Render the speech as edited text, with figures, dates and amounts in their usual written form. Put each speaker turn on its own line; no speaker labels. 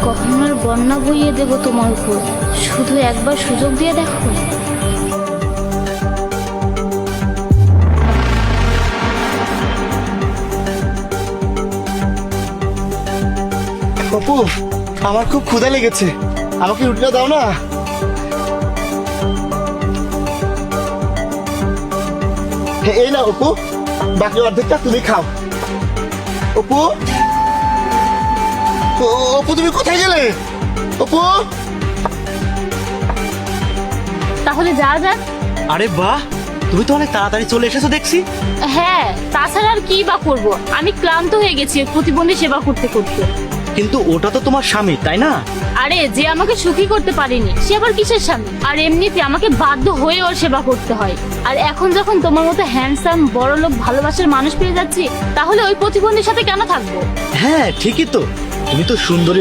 কখন আর বন্যা বইয়ে দেব তোমার উপর, শুধু একবার সুযোগ দিয়ে দেখো।
অপু, আমার খুব ক্ষুধা লেগেছে, আমাকে রুটিটা দাও না। এই না অপু, বাকি অর্ধেকটা তুমি খাও। অপু, অপু তুমি কোথায় গেলে? অপু,
তাহলে যা যাক।
আরে বাহ, তুমি তো অনেক তাড়াতাড়ি চলে এসেছো দেখছি।
হ্যাঁ, তাছাড়া আর কি বা করবো, আমি ক্লান্ত হয়ে গেছি প্রতিবন্ধী সেবা করতে করতে।
কিন্তু ওটা তো তোমার স্বামী, তাই না?
আরে, যে আমাকে সুখী করতে পারেনি সে আবার কিসের স্বামী? আর এমনিতে আমাকে বাধ্য হয়ে ওর সেবা করতে হয়। আর এখন যখন তোমার মতো হ্যান্ডসাম বড়লোক ভালোবাসার মানুষ পেয়ে যাচ্ছি, তাহলে ওই প্রতিবন্ধীর সাথে কেন থাকবো?
হ্যাঁ ঠিকই তো, তুমি তো সুন্দরী